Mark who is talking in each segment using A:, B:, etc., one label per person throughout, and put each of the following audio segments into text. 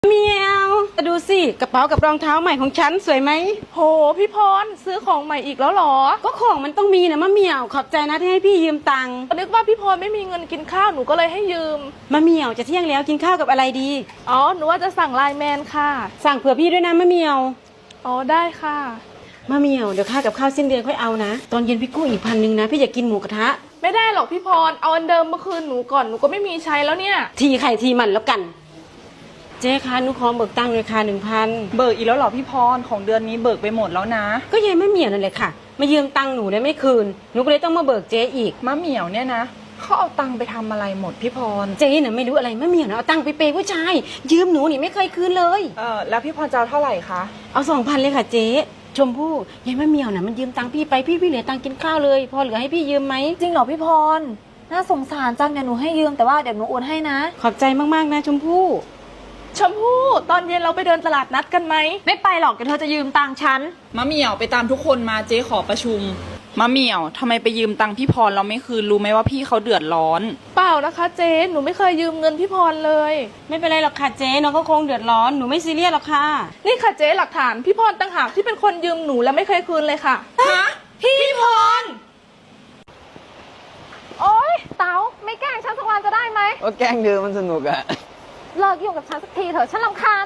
A: เมียวดูสิกระเป๋ากับรองเท้าใหม่ของฉันสวยไหม
B: โหพี่พรซื้อของใหม่อีกแล้วเหรอ
A: ก็ของมันต้องมีนะมะเมียวขอบใจนะที่ให้พี่ยืมตังค์
B: นึกว่าพี่พรไม่มีเงินกินข้าวหนูก็เลยให้ยืม
A: มะเมียวจะเที่ยงแล้วกินข้าวกับอะไรดี
B: อ๋อหนูว่าจะสั่งไลน์แมนค่ะ
A: สั่งเผื่อพี่ด้วยนะมะเมียว
B: อ๋อได้ค่ะ
A: มะเมียวเดี๋ยวค่ากับข้าวสิ้นเดือนค่อยเอานะตอนเย็นพี่กู้อีก1,000นะพี่อยากกินหมูกระทะ
B: ไม่ได้หรอกพี่พรเอาอันเดิมเมื่อคืนหนูก่อนหนูก็ไม่มีใช้แล้วเนี่ย
A: ทีไข่ทีมันแล้วกันเจ๊คะหนูขอเบิกตังค์เลยค่ะ1,000
C: เบิกอีกแล้วเหรอพี่พรของเดือนนี้เบิกไปหมดแล้วนะ
A: ก็ยายมะเมียวนั่นแหละค่ะมายืมตังค์หนูได้ไม่คืนหนูก็เลยต้องมาเบิกเจ๊อีก
C: มะเหมี่ยวเนี่ยนะเขาเอาตังค์ไปทำอะไรหมดพี่พร
A: เจ๊น่ะไม่รู้อะไรมะเมียวนะเอาตังค์ไปเปย์ผู้ชายยืมหนูนี่ไม่เคยคืนเลย
C: แล้วพี่พรจะเอาเท่าไหร่คะ
A: เอา2,000เลยค่ะเจ๊ชมพู่ยายมะเมียวน่ะมันยืมตังค์พี่ไปพี่เหลือตังค์กินข้าวเลยพอเหลือให้พี่ยืมไหม
D: จริงเหรอพี่พรน่าสงสารจังเดี๋ยวหนูให้ยืมแต่ว่าเดี๋ยวหนูโอนให้นะ
A: ขอบใจมากๆนะชมพู่
B: ชมพู่ตอนเย็นเราไปเดินตลาดนัดกันไหม
D: ไม่ไปหรอกเดี๋ยวเธอจะยืมตังค์ฉัน
C: มะเหมี่ยวไปตามทุกคนมาเจ๊ขอประชุมมะเหมี่ยวทำไมไปยืมตังค์พี่พรเราไม่คืนรู้ไหมว่าพี่เขาเดือดร้อน
B: เปล่านะคะเจ๊หนูไม่เคยยืมเงินพี่พรเลย
A: ไม่เป็นไรหรอกค่ะเจ๊น้องก็คงเดือดร้อนหนูไม่ซีเรียสหรอกค่ะ
B: นี่ค่ะเจ๊หลักฐานพี่พรต่างหากที่เป็นคนยืมหนูและไม่เคยคืนเลยค่ะ
C: ฮะพี่พร
D: โอ๊ยเต๋าไม่แกล้งฉันสักวันจะได้ไหม
E: ก็แกล้งเธอมันสนุกอะ
D: เลิกยุ่งกับฉันสักทีเถอะฉันรำคาญ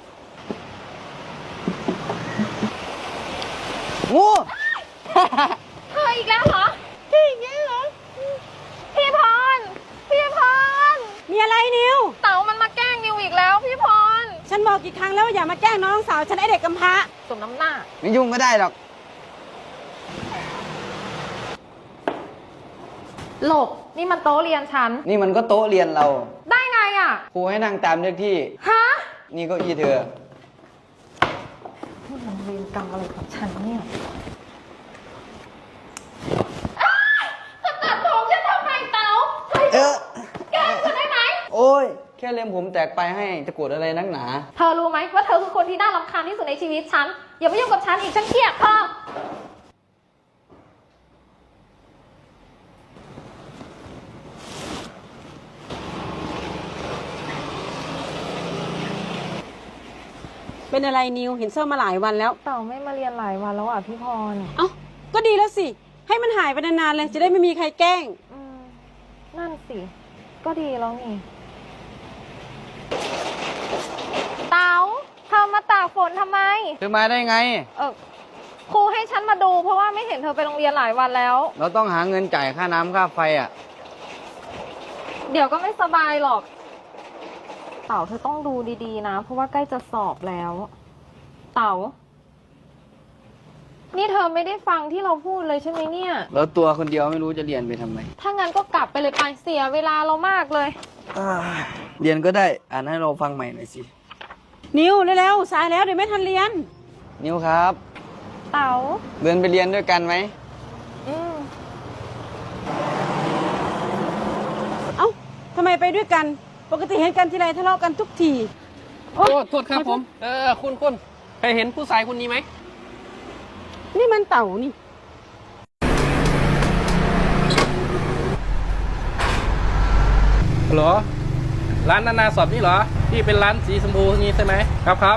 E: งู
D: เธออีกแล้วเหรอพี่อีกแล้วเหรอพี่พร
A: มีอะไรนิว
D: เต๋ามันมาแกล้งนิวอีกแล้วพี่พร
A: ฉันบอกกี่ครั้งแล้วว่าอย่ามาแกล้งน้องสาวฉันไอเด็กกำพร้า
D: สมน้ำหน้า
E: ไม่ยุ่งก็ได้หรอก
D: หลบนี่มันโต๊ะเรียนฉัน
E: นี่มันก็โต๊ะเรียนเรา
D: ได้ไงอ่ะ
E: ครูให้นั่งตามเลขที่
D: ฮะ
E: นี่เก็อี้เธอ
D: มันเรียนกรรมอะไรกับฉันเนี่ยตัดผมฉันทำไมเต๋าแกล้งฉันได้ไหม
E: โอ้ยแค่เล็มผมแตกไปให้จะโกรธอะไรนักหนา
D: เธอรู้ไหมว่าเธอคือคนที่น่ารำคาญที่สุดในชีวิตฉันอย่ามายุ่งกับฉันอีกฉันเกลียดเธอ
A: เป็นอะไรนิวเห็นเศร้ามาหลายวันแล้ว
D: เต่าไม่มาเรียนหลายวันแล้วอ่ะพี่พร
A: เอ้าก็ดีแล้วสิให้มันหายไปนานๆเลยจะได้ไม่มีใครแกล้ง
D: นั่นสิก็ดีแล้วนี่เต๋าเธอมาตากฝนทำไม
E: เธอมาได้ไง
D: ครูให้ฉันมาดูเพราะว่าไม่เห็นเธอไปโรงเรียนหลายวันแล้ว
E: เราต้องหาเงินจ่ายค่าน้ำค่าไฟอ่ะ
D: เดี๋ยวก็ไม่สบายหรอกเต๋าเธอต้องดูดีๆนะเพราะว่าใกล้จะสอบแล้วเต๋านี่เธอไม่ได้ฟังที่เราพูดเลยใช่ไหมเนี่ย
E: แล้วตัวคนเดียวไม่รู้จะเรียนไปทำไม
D: ถ้างั้นก็กลับไปเลยไปเสียเวลาเรามากเลย
E: เรียนก็ได้อ่านให้เราฟังใหม่หน่อยสิ
A: นิวเร็วๆสายแล้วเดี๋ยวไม่ทันเรียน
E: นิวครับ
D: เต๋า
E: เดินไปเรียนด้วยกันไหม
A: เอ้าทำไมไปด้วยกันปกติเห็นกันทีไรทะเลาะกันทุกที
F: โอ้โทษครับผมคุณเคยเห็นผู้ชายคนนี้ไหม
A: นี่มันเต่านี่
F: เหรอร้านนานาสอบนี่เหรอที่เป็นร้านสีชมพูนี้ใช่ไหมครับ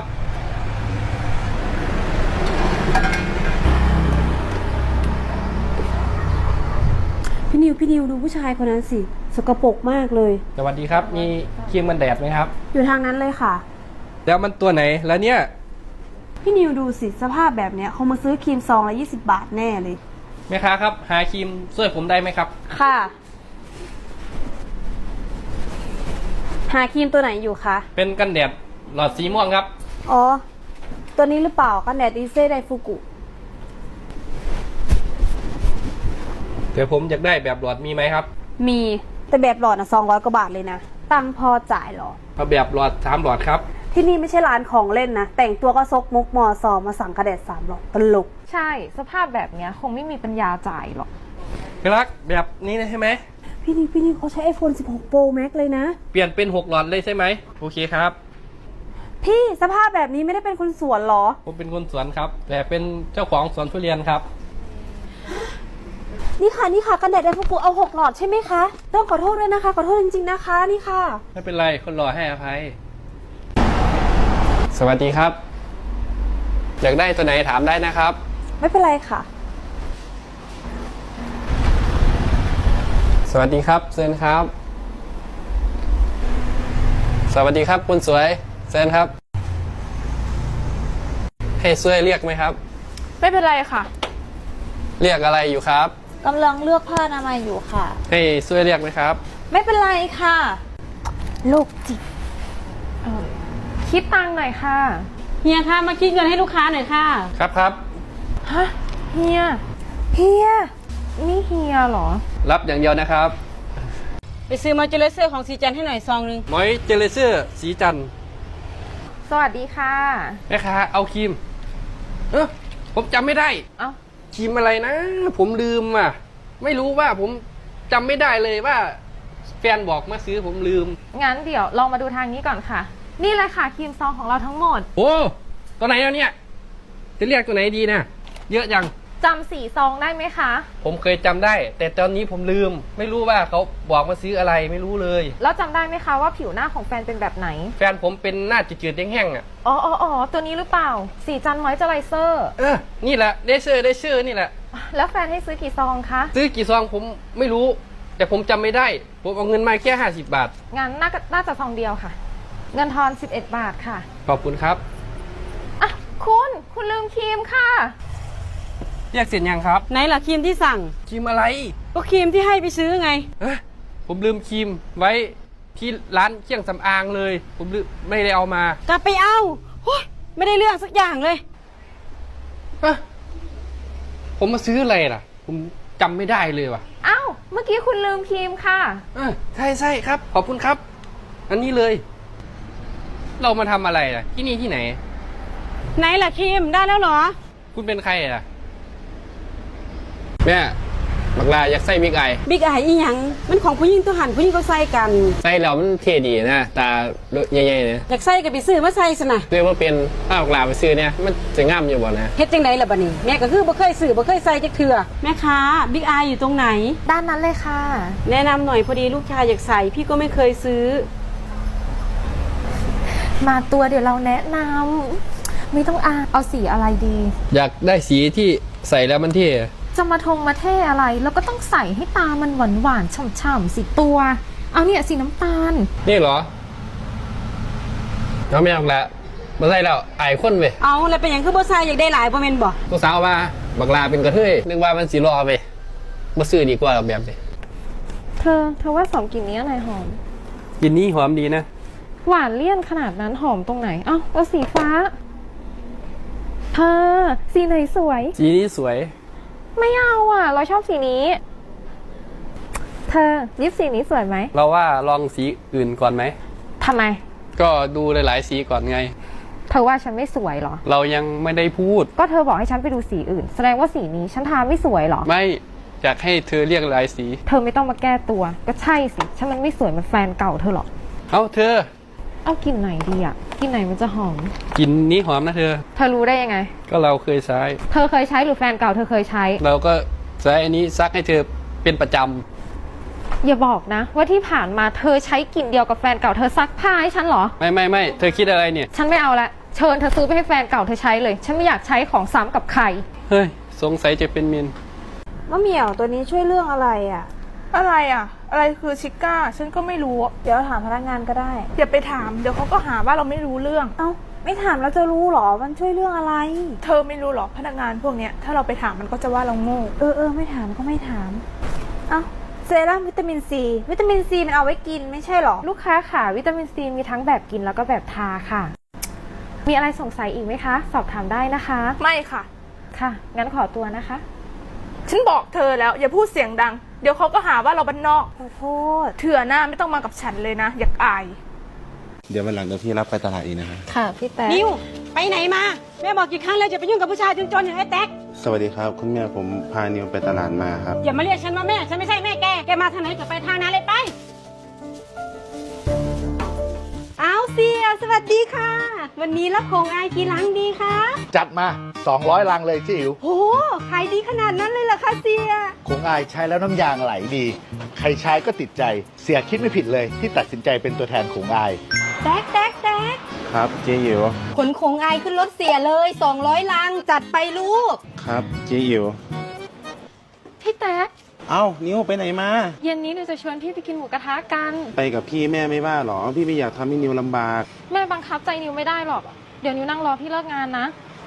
A: พี่นิวดูผู้ชายคนนั้นสิสกปรกมากเลย
F: สวัสดีครับมีครีมกันแดดไหมครับ
A: อยู่ทางนั้นเลยค่ะ
F: แล้วมันตัวไหนแล้วเนี่ย
A: พี่นิวดูสิสภาพแบบเนี้ยเขามาซื้อครีมซองละ20 บาทแน่เลย
F: แม่ค้าครับหาครีมช่วยผมได้ไหมครับ
A: ค่ะหาครีมตัวไหนอยู่คะ
F: เป็นกันแดดหลอดสีม่วงครับ
A: อ๋อตัวนี้หรือเปล่ากันแดดอีเซ่ไดฟูกุ
F: แต่ผมอยากได้แบบหลอดมีไหมครับ
A: มีแต่แบบหลอดนะ200 กว่าบาทเลยนะตังพอจ่ายหรอ
F: เอาแบบหลอด3 หลอดครับ
A: ที่นี่ไม่ใช่ร้านของเล่นนะแต่งตัวก็ซกมุกมอซอมาสั่งกระแดด3 หลอดตลก
D: ใช่สภาพแบบเนี้ยคงไม่มีปัญญาจ่ายหรอก
F: รักแบบนี้ใช่ไหม
A: พี่นิวเขาใช้ iPhone 16 Pro Max เลยนะ
F: เปลี่ยนเป็น6 หลอดเลยใช่ไหมโอเคครับ
A: พี่สภาพแบบนี้ไม่ได้เป็นคนสวนหรอ
F: ผมเป็นคนสวนครับแต่เป็นเจ้าของสวนทุเรียนครับ
A: นี่ค่ะกันแดดไดฟูกุเอา6 หลอดใช่ไหมคะต้องขอโทษด้วยนะคะขอโทษจริงๆนะคะนี่ค่ะ
F: ไม่เป็นไรคนรอให้อภัย
G: สวัสดีครับ อยากได้ตัวไหนถามได้นะครับ
D: ไม่เป็นไรค่ะ
G: สวัสดีครับเซินครับ สวัสดีครับคุณสวยเซินครับ ให้ช่วยเรียกไหมครับ
B: ไม่เป็นไรค่ะ
G: เรียกอะไรอยู่ครับ
D: กำลังเลือกผ้าอนามัยอยู่ค่ะ
G: ให้ช่วยเรียกไหมครับ
D: ไม่เป็นไรค่ะ ลูกจิตคิดตังค์หน่อยค่ะ
A: เฮียคะมาคิดเงินให้ลูกค้าหน่อยค่ะ
G: ครับครับ
D: ฮะ เฮีย นี่เฮียเหรอ
G: รับอย่างเดียวนะครับ
A: ไปซื้อมอยเจอร์เซอร์ของสีจันให้หน่อยซองนึง
F: มอยเจลเซอร์สีจันทร์
D: สวัสดีค่ะ
F: แม่ค้าเอาครีม ผมจำไม่ได้
D: เอ้า
F: ครีมอะไรนะ ผมลืมอ่ะ ไม่รู้ว่าผมจำไม่ได้เลยว่า แฟนบอกมาซื้อผมลืม
D: งั้นเดี๋ยวลองมาดูทางนี้ก่อนค่ะ นี่เลยค่ะครีมซองของเราทั้งหมด
F: โอ้ตัวไหนแล้วเนี่ย จะเรียกตัวไหนดีนะเยอะจัง
D: จำสีซองได้ไหมคะ
F: ผมเคยจำได้ แต่ตอนนี้ผมลืม ไม่รู้ว่าเขาบอกมาซื้ออะไรไม่รู้เลย
D: แล้วจำได้ไหมคะว่าผิวหน้าของแฟนเป็นแบบไหน
F: แฟนผมเป็นหน้าจืดๆแห้งๆอ่ะ
D: อ๋อ ตัวนี้หรือเปล่า สีจันมอยเจอไรเซอร์
F: นี่แหละได้ชื่อนี่แหละ
D: แล้วแฟนให้ซื้อกี่ซองคะ
F: ซื้อกี่ซองผมไม่รู้ แต่ผมจำไม่ได้ ผมเอาเงินมาแค่50 บาท
D: งั้นน่าจะซองเดียวค่ะ เงินทอน11 บาทค่ะ
F: ขอบคุณครับ
D: อ่ะคุณลืมครีมค่ะ
F: เรียกเสร็จยังครับ
A: ไหนล่ะครีมที่สั่ง
F: ครีมอะไร
A: ก็ครีมที่ให้ไปซื้อไง
F: ผมลืมครีมไว้ที่ร้านเครื่องสำอางเลย ผมลืมไม่ได้เอามาก
A: ลับไปเอาโอ๊ยไม่ได้เรื่องสักอย่างเลย
F: ผมมาซื้ออะไรล่ะ ผมจำไม่ได้เลยว่ะ
D: อ้าว เมื่อกี้คุณลืมครีมค่ะ
F: ใช่ครับ ขอบคุณครับ อันนี้เลย เรามาทำอะไรล่ะ ที่นี่ที่ไหน
A: ไหนล่ะครีมได้แล้วเหรอ
F: คุณเป็นใครล่ะ
G: แม่บักลาอยากใส่บิ๊กไอ
A: บิ๊กไออีหยังมันของผู้หญิงตัวหันผู้หญิงเขาใส่กัน
G: ใส่แล้วมันเท่ดีนะตาใหญ่ๆเนี่ย
A: อยากใส่ก็ไปซื้อมาใส่ซะนะ
G: เรียกว่าเป็นถ้าบักลาไปซื้อเนี่ยมันจะง่ามอยู่บ่นะ
A: เฮ็ดจังไดล่ะบัดนี้แม่ก็คือบ่เคยซื้อบ่เคยใส่จักเทื่อแม่ค้าบิ๊กไออยู่ตรงไหน
D: ด้านนั้นเลยค่ะ
A: แนะนำหน่อยพอดีลูกชายอยากใส่พี่ก็ไม่เคยซื้อ
D: มาตัวเดี๋ยวเราแนะนำไม่ต้องเอาสีอะไรดี
G: อยากได้สีที่ใส่แล้วมันเท่
D: จะมาเท่อะไร แล้วก็ต้องใส่ให้ตามันหวานๆฉ่ำๆสีตัว เอาเนี่ยสีน้ำตาล
G: นี่เหรอเอาไม่เอาละมาใส่แล้วอายคนเว้ย
A: เอาแล้วเป็นหยังคือบ่ใส่อยากได้หลายบ่แม่นบ่
G: ลูกสาวว่าบักลาเป็นกระเทยนึกว่ามันสีรอไปมาซื้อดีกว่าแบบนี้
D: เธอว่าสองกลิ่นนี้อะไรหอม
F: กินนี้หอมดีนะ
D: หวานเลี่ยนขนาดนั้นหอมตรงไหน เอาสีฟ้า เธอสีไหนสวย
F: สีนี้สวย
D: ไม่เอาเราชอบสีนี้ เธอลิปสีนี้สวยไหม
F: เราว่าลองสีอื่นก่อนไหม
D: ทำไม
F: ก็ดูหลายๆสีก่อนไง
D: เธอว่าฉันไม่สวยเหรอ
F: เรายังไม่ได้พูด
D: ก็เธอบอกให้ฉันไปดูสีอื่น แสดงว่าสีนี้ฉันทาไม่สวยเหรอ
F: ไม่อยากให้เธอเรียกหลายสี
D: เธอไม่ต้องมาแก้ตัว ก็ใช่สิ ฉันมันไม่สวยเหมือนแฟนเก่าเธอหรอก
F: เอาเธอ
D: เอากลิ่นไหนดีกลิ่นไหนมันจะหอม
F: กินนี้หอมนะเธอ
D: เธอรู้ได้ยังไง
F: ก็เราเคยใช้
D: เธอเคยใช้หรือแฟนเก่าเธอเคยใช้
F: เราก็ใช้อันนี้ซักให้เธอเป็นประจ
D: อย่าบอกนะ ว่าที่ผ่านมาเธอใช้กลิ่นเดียวกับแฟนเก่าเธอซักผ้าให้ฉันเหรอ
F: ำไม่เธอคิดอะไรเนี่ย
D: ฉันไม่เอาละเชิญเธอซื้อไปให้แฟนเก่าเธอใช้เลย ฉันไม่อยากใช้ของซ้ำกับใคร
F: เฮ้ยสงสัยจะเป็นเมน
H: มะเหมี่ยวตัวนี้ช่วยเรื่องอะไรอ่ะ
B: อะไรอ่ะ อะไรคือชิก้า ฉันก็ไม่รู้
H: เดี๋ยวถามพนักงานก็ได้
B: อย่าไปถาม เดี๋ยวเขาก็หาว่าเราไม่รู้เรื่อง
H: เอ้า ไม่ถามแล้วจะรู้เหรอ มันช่วยเรื่องอะไร
B: เธอไม่รู้หรอกพนักงานพวกเนี้ย ถ้าเราไปถามมันก็จะว่าเราโง่
H: ไม่ถามก็ไม่ถาม เอ้า เซรั่มวิตามินซี วิตามินซีมันเอาไว้กินไม่ใช่เหรอ
D: ลูกค้าค่ะวิตามินซีมีทั้งแบบกินแล้วก็แบบทาค่ะ มีอะไรสงสัยอีกไหมคะ สอบถามได้นะคะ
B: ไม่ค่ะ
D: ค่ะ งั้นขอตัวนะคะ
B: ฉันบอกเธอแล้ว อย่าพูดเสียงดัง เดี๋ยวเขาก็หาว่าเราบ้านนอก
H: ขอโทษ
B: เถื่อหน้าไม่ต้องมากับฉันเลยนะ อยากอาย
I: เดี๋ยววันหลังเดี๋ยวพี่รับไปตลาดอีกนะครับ
D: ค่ะพี่แต๊ก
A: นิวไปไหนมาแม่บอกกี่ครั้งแล้วจะไปยุ่งกับผู้ชายจนอย่างไอ้แต๊ก
I: สวัสดีครับคุณแม่ผมพานิวไปตลาดมาครับ
A: อย่ามาเรียกฉันว่าแม่ฉันไม่ใช่แม่แกมาทางไหนก็ไปทางนั้นเลยไปเอาเสียสวัสดีค่ะ วันนี้รับของอายกี่ลังดีคะ
J: จัดมา 200 ลังเลยพี่อิ๋ว
A: โหขายดีขนาดนั้นเลยเหรอคะเสีย
J: คงอายใช้แล้วน้ำยางไหลดี ใครใช้ก็ติดใจ เสียคิดไม่ผิดเลยที่ตัดสินใจเป็นตัวแทนของอาย
A: แต๊ก
I: ครับเจ๊อิ๋ว
A: ขนของอายขึ้นรถเสียเลย200 ลังจัดไปลูก
I: ครับเจ๊อิ๋ว
D: พี่แต๊ก
I: เอ้านิวไปไหนมา
D: เย็นนี้หนูจะชวนพี่ไปกินหมูกระทะกัน
I: ไปกับพี่แม่ไม่ว่าหรอ พี่ไม่อยากทำให้นิวลำบาก
D: แม่บังคับใจนิวไม่ได้หรอก เดี๋ยวนิวนั่งรอพี่เลิกงานนะ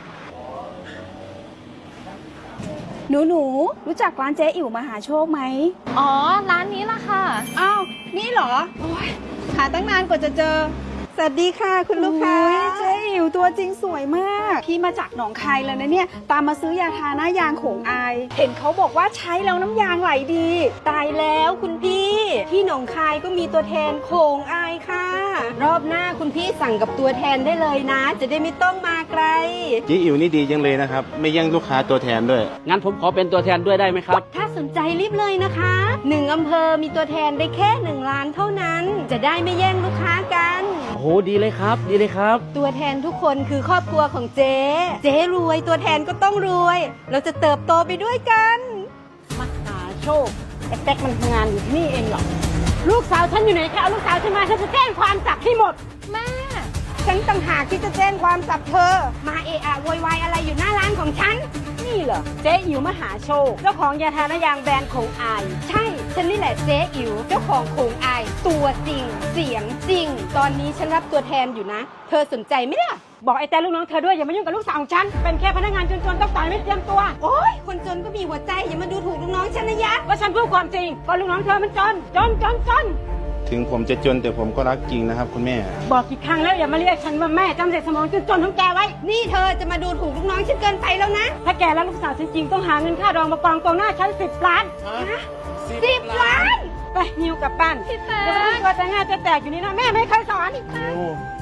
H: หนูรู้จักร้านเจ๊อิ๋วมหาโชคไหม
D: อ๋อ ร้านนี้ล่ะค่ะ
H: อ้าว นี่เหรอ โอ้ยหาตั้งนานกว่าจะเจอ สวัสดีค่ะคุณลูกค้าเจ๊อิ๋วตัวจริงสวยมาก พี่มาจากหนองคายเลยนะเนี่ย ตามมาซื้อยาทาหน้ายางโขงอาย เห็นเขาบอกว่าใช้แล้วน้ำยางไหลดี
A: ตายแล้วคุณพี่ ที่หนองคายก็มีตัวแทนโขงอายค่ะ รอบหน้าคุณพี่สั่งกับตัวแทนได้เลยนะ จะได้ไม่ต้องมาไกล
I: เจ๊อิ๋วนี่ดีจังเลยนะครับ ไม่แย่งลูกค้าตัวแทนด้วย
F: งั้นผมขอเป็นตัวแทนด้วยได้ไหมครับ
A: ถ้าสนใจรีบเลยนะคะ1 อำเภอมีตัวแทนได้แค่1 ล้านเท่านั้น จะได้ไม่แย่งลูกค้ากัน
F: โอ้โห ดีเลยครับ ดีเลยครับ
A: ตัวแทนทุกคนคือครอบครัวของเจ๊ เจ๊รวยตัวแทนก็ต้องรวย เราจะเติบโตไปด้วยกันมหาโชคไอ้แต๊กมันทำงานอยู่ที่นี่เองเหรอ ลูกสาวฉันอยู่ไหนคะเอาลูกสาวฉันมาฉันจะแจ้งความจับให้หมด
D: แม่
A: ฉันต่างหากที่จะแจ้งความจับเธอ มาเอะอะโวยวายอะไรอยู่หน้าร้านของฉัน นี่เหรอเจ๊อิ๋วมหาโชค เจ้าของยาทาหน้ายางแบรนด์โขงอาย ใช่ ฉันนี่แหละเจ๊อิ๋วเจ้าของโขงอาย ตัวจริง เสียงจริง ตอนนี้ฉันรับตัวแทนอยู่นะ เธอสนใจไหมล่ะ บอกไอ้แต่ลูกน้องเธอด้วยอย่ามายุ่งกับลูกสาวของฉัน เป็นแค่พนักงานจนๆต้องต่อยไม่เตรียมตัว โอ๊ย คนจนก็มีหัวใจอย่ามาดูถูกลูกน้องฉันนะยะว่าฉันพูดความจริงก็ลูกน้องเธอมันจน จน
I: ถึงผมจะจนแต่ผมก็รักจริงนะครับคุณแม่
A: บอกกี่ครั้งแล้วอย่ามาเรียกฉันว่าแม่จำเด็กสมองจนของแกไว้ นี่เธอจะมาดูถูกลูกน้องฉันเกินไปแล้วนะ ถ้าแกแล้วลูกสาวฉันจริงต้องหาเงินค่ารองมากองตรงหน้าฉัน10 ล้านฮะ10 ล้าน ไปนิวกลับบ้าน
D: พี่แต๊ก
A: เดี๋ยวไปตัวแต่งงานจะแตกอยู่นี่นะแม่ไม่เคยสอน
I: นิว